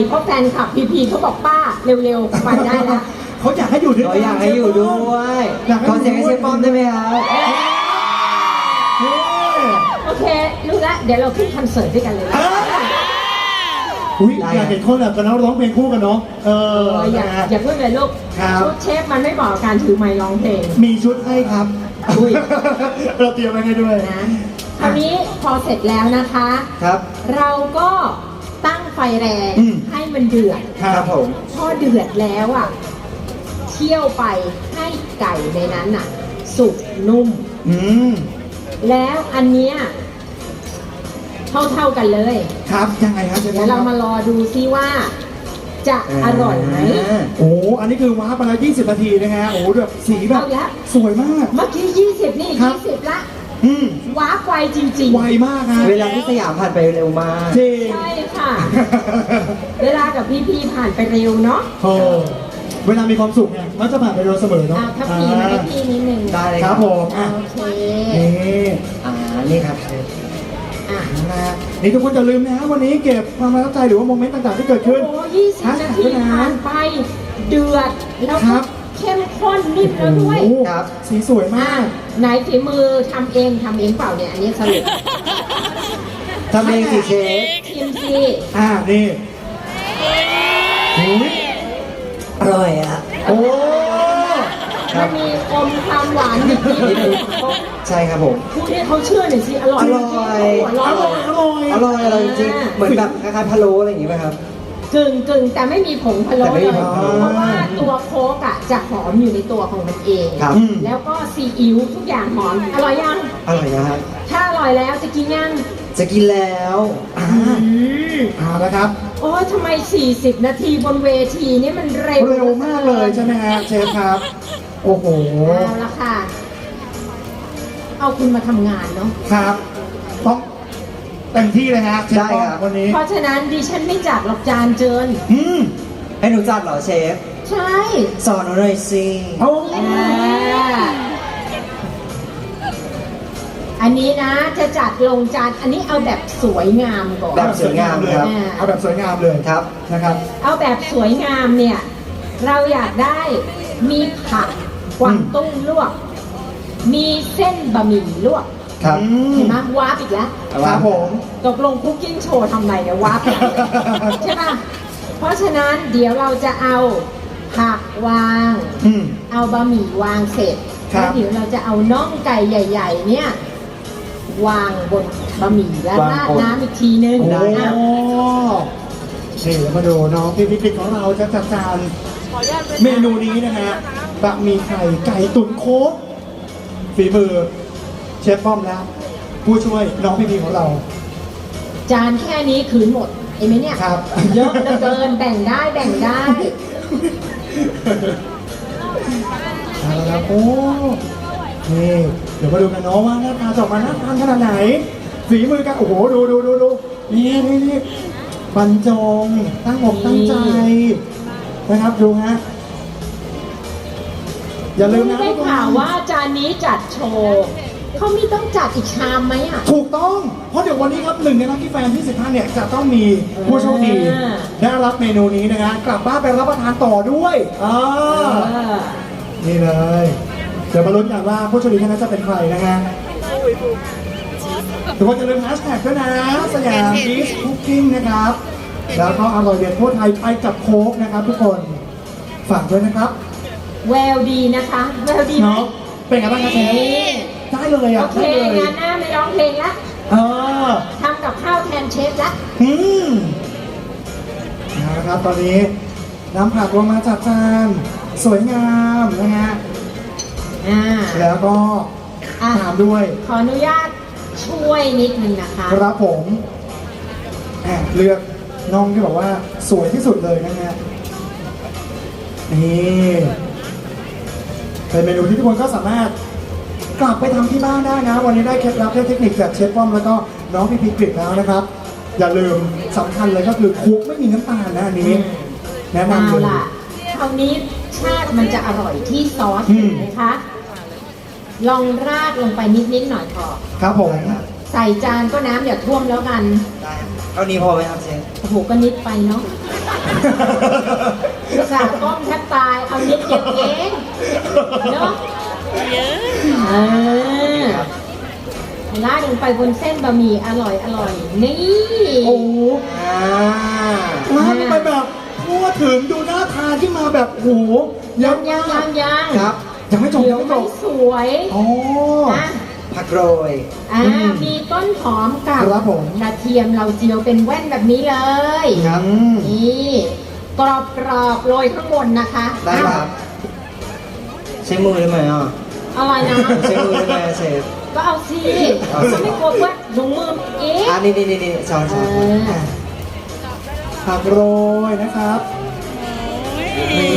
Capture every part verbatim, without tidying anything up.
เพราะแฟนคลับพีพีเขาบอกป้าเร็วๆไปได้แล้วเขาอยากให้อยู่ด้วยเรากันอยากให้อยู่ด้วยขอเสียงให้เชฟป้อมได้ไหมครับเฮ้โอเครู้ละเดี๋ยวเราขึ้นคอนเสิร์ตด้วยกันเลยเอ้ยอุ้ยอยากเห็นคนแบบกันแล้วร้องเพลงคู่กันเนาะเออเอออย่านะฮะอย่าพูดเลยลูกครับชุดเชฟมันไม่เหมาะกับการถือไมค์ร้องเพลงมีชุดให้ครับอุ้ยเราเตรียมไว้ให้ด้วยนะคราวนี้พอเสร็จแล้วนะคะครับเราก็ตั้งไฟแรงอืมให้มันเดือดครับผมพอเดือดแล้วอ่ะเคี่ยวไปให้ไก่ในนั้นอ่ะ สุกนุ่มอืมแล้วอันเนี้ยเท่าเท่าๆกันเลยครับยังไงครับเชฟเดี๋ยวเรามารอดูซิว่า จะอร่อยไหมโอ้อันนี้คือว้าร์ปมาแล้วยี่สิบนาทีนะฮะโอ้แบบสีแบบเอาละสวยมากเมื่อกี้ยี่สิบนี่ครับยี่สิบละอืมว้าไวจริงไวมากฮะเวลาที่สยามผ่านไปเร็วมากจริงๆ ใช่ค่ะ เวลากับพี่พีผ่านไปเร็วเนาะโอ้เวลามีความสุขเนี่ยมักจะผ่านไปเร็วเสมอเนาะเอาถ้าพีมาให้พี่นิดนึงได้เลยคครัรับบ ผมอ่ะโอเคนี่อ่านี่ครับเชฟอ่ะนะฮะนี่ทุกคนอย่าลืมนะฮะวันนี้เก็บความประทับใจหรือว่าโมเมนต์ต่างๆที่เกิดโอ้ขึ้นโหยี่สิบนาทีผ่านไป เดือด แล้วครัก็บเข้มข้นนิ่มแล้วด้วยโอ้โหครับสีสวยอ่ะมากไหนฝีมือทำเองทำเองเปล่าเนี่ย อันนี้สรุปทำเองสิเชฟชิมสิอ่านี่อุ้ยอร่อยอ่ะโอ้มันมีอมความหวานนิดนิดนึงๆใช่ครับผมพูดให้เขาเชื่อหน่อยสิ อร่อยอร่อยจงๆอหัวร่เร้ออยอร่อยอร่อยอร่อยจริงๆเหมือนแบบคล้ายๆพะโล้อะไรอย่างงี้ไหมครับกึ่งกึ่งแต่ไม่มีผงพะโล้แต่ไม่เลมียผงพะโล้เพราะว่าตัวโค้กอ่ะจะหอมอยู่ในตัวของมันเองครับแล้วก็ซีอิ๊วทุกอย่างหอม อร่อยยังอร่อยนะครับถ้าอร่อยแล้วจะกินยังจะกินแล้วอ่าอืมเอาละครับโอ้ยทำไม สี่สิบ นาทีบนเวทีนี่มันเร็วเร็วมากเลยใช่ไหมฮะเชฟครับ โอ้โหเอาละค่ะ เอาคุณมาทำงานเนาะครับต้องเต็มที่เลยฮะเชฟได้ป้อมครับวันนี้เพราะฉะนั้นดิฉันไม่จัดหรอกจานเจินอืมให้หนูจัดเหรอเชฟใช่สอนหนูหน่อยสิเอาอ่าอันนี้นะจะจัดลงจาน อันนี้เอาแบบสวยงามก่อนแบบสวยงามเลยครับเอาแบบสวยงามเลยครับนะครับเอาแบบสวยงามเนี่ย เราอยากได้มีผักกวางตุ้งลวก มีเส้นบะหมี่ลวกครับอืมเห็นไหมวาร์ปอีกแล้วครับผมตกลงคุกกิ้งโชว์ทำไรเนี่ยวาร์ปใช่ปะเพราะฉะนั้นเดี๋ยวเราจะเอาผักวางอืมเอาบะหมี่วางเสร็จครับแล้วเดี๋ยวเราจะเอาน่องไก่ใหญ่ ๆ เนี่ย วางบนบะหมี่แล้ววางราดบนน้ำอีกทีนึงโอ้อ่ะนี่เดี๋ยวมาดูน้องพี่พิกของเราจะจัดจานเมนูนี้นะฮะบะหมี่ไข่ไก่ตุ๋นโค้กฝีมือเชฟป้อมแล้ว ผู้ช่วยน้องพี่พีของเราจานแค่นี้คืนหมดเห็นไหมเนี่ยครับเยอะเหลือเกินแบ่งได้แบ่งได้เอาละครับโอ้นี่เดี๋ยวมาดูกันเนาะว่าหน้าตาจะออกมาหน้าทานขนาดไหนฝีมือกันโอ้โหดูดูดูดูนี่นี่นี่บรรจงตั้งอกตั้งใจนะครับดูฮะอย่าลืมนะได้ข่าวว่าจานนี้จัดโชว์เขามีต้องจัดอีกชามไหมอ่ะถูกต้อง เพราะเดี๋ยววันนี้ครับหนึ่งในนักที่แฟนที่สิบท่านเนี่ยจะต้องมีผู้โชคดีอ่าได้รับเมนูนี้นะฮะกลับบ้านไปรับประทานต่อด้วยอ่าเออนี่เลย เดี๋ยวมาลุ้นกันว่าผู้โชคดีท่านนั้นจะเป็นใครนะฮะทุกคนอย่าลืมแฮชแท็กด้วยนะสยามบีชคุกกิ้งนะครับ แล้วก็อร่อยเด็ดทั่วไทยไปกับโค้กนะครับทุกคนฝากด้วยนะครับแววดีนะคะ แววดีไหมเนาะเป็นไงบ้างครับเชฟนี่ได้เลยโออ่ะเคได้เลยงานหน้าไม่ร้องเพลงละเออทำกับข้าวแทนเชฟละอืมนะครับตอนนี้น้ำผักลงมาจัดจานสวยงามนะฮะอ่าแล้วก็อ่ะตามด้วยขออนุญาตช่วยนิดนึงนะคะครับผมแอบเลือกน้องที่บอกว่าสวยที่สุดเลยนะฮะนี่เป็นเมนูที่ทุกคนก็สามารถกลับไปทำที่บ้านได้นะ วันนี้ได้เคล็ดลับได้เทคนิคจากเชฟป้อมแล้วก็น้องพี่พิกฤตแล้วนะครับ อย่าลืมสำคัญเลยก็คือคุกไม่มีน้ำตาลนะอันนี้ แนะนำเอาเลยล่ะคราวนี้ชาติมันจะอร่อยที่ซอสอืมเห็นไหมคะ ลองราดลงไปนิดๆหน่อยพอครับผมใส่จานก็น้ำอย่าท่วมแล้วกันได้ครับเท่านี้พอไหมครับเชฟโอ้โหก็นิดไปเนาะสาก้องแทบตายเอานิดเดียวเองเนาะเออลาดลงไปบนเส้นบะหมี่อร่อยอร่อยนี่โอ้โหอ่าร้านไปแบบทั่วถึงดูน่าทานที่มาแบบโอ้โหยังยังยังยังครับยังไม่จบเดี๋ยัยวงไม่จไม่บสวยอ๋อนะผักโรยอ่าอืมมีต้นหอมกับครับผมกระเทียมเราเจียวเป็นแว่นแบบนี้เลยครับอืมนี่กรอบกรอบๆโรยข้างบนนะคะได้ครับ ใช้มือได้ไหมอ่ะอร่อยนะใช้มือได้ไหมอะเชฟก็เอาสิเอาสิจะไม่กลัวว่าถุงมือเอ๊ะอ่านี่นี่นี่นี่ช้อนเอช้อนอผักโรยนะครับ นี่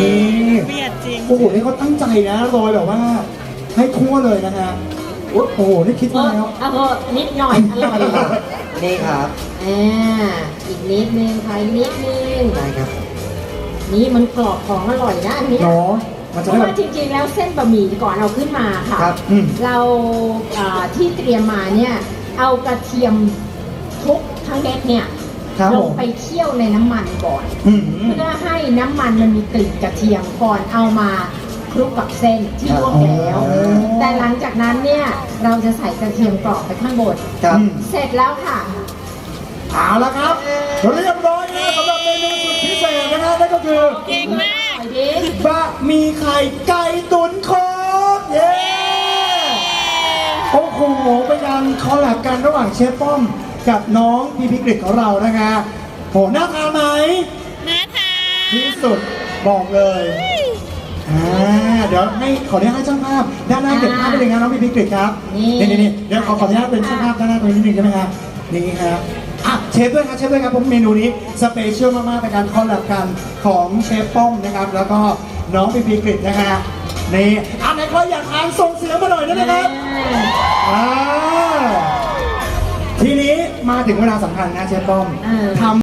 เบียดจริงโอ้โห นี่เขาตั้งใจนะโรยแบบว่า ให้ทั่วเลยนะฮะโอ้โห นี่คิดเอมาอแล้วเอาเถอะนิดหน่อยอร่อยนี่ครับอ่าอีกนิดนึงค่ะอีกนิดนึงได้ครับนี่มันกรอบของอร่อยนะอันเนี้ยเนาะมันเพจะได้ราะแบว่าบจริงๆแล้วเส้นบะหมี่ก่อนเอาขึ้นมาค่ะครับอืมเราเอ่อที่เตรียมมาเนี่ยเอากระเทียมทุกทั้งเม็ดเนี่ยครับลผงมไปเคี่ยวในน้ำมันก่อนอืมเพื่อให้น้ำมันมันมีกลิ่นกระเทียมก่อนเอามาคลุกกับเส้นที่ลวกแล้วอ๋อแต่หลังจากนั้นเนี่ยเราจะใส่กระเทียมกรอบไปข้างบนครับอืมเสร็จแล้วค่ะเอาละครับเรียบร้อยนะสำหรับเมนูสุดพิเศษนะครับนั่นก็คือเก่งมากไปดิบะหมี่ไข่ไก่ตุ๋นโคกเย้โอ้โหเป็นการคอลแลบกันระหว่างเชฟป้อมกับน้องพีพีกฤษของเรานะคะโหน่าทานไหมน่าทานที่สุดบอกเลยอ่าเดี๋ยวให้ขออนุญาตให้ช่างภาพด้านหน้าเก็บภาพไปเลยนะน้องพีพีกฤษครับนี่นี่นี่เดี๋ยวขอขออนุญาตเป็นช่างภาพด้านหน้าตรงนี้นิดนึงได้ไหมครับนี่ครับอ่ะเชฟด้วยครับเชฟด้วยครับผมเมนูนี้สเปเชียลมากๆเป็นการคอลแลบกันของเชฟป้อมนะครับแล้วก็น้องพีพีกฤษนะฮะนี่อันไหนใครอยากทานส่งเสียงมาหน่อยได้ไหมครับ อ่าทีนี้มาถึงเวลาสำคัญนะเชฟป้อมเออทำ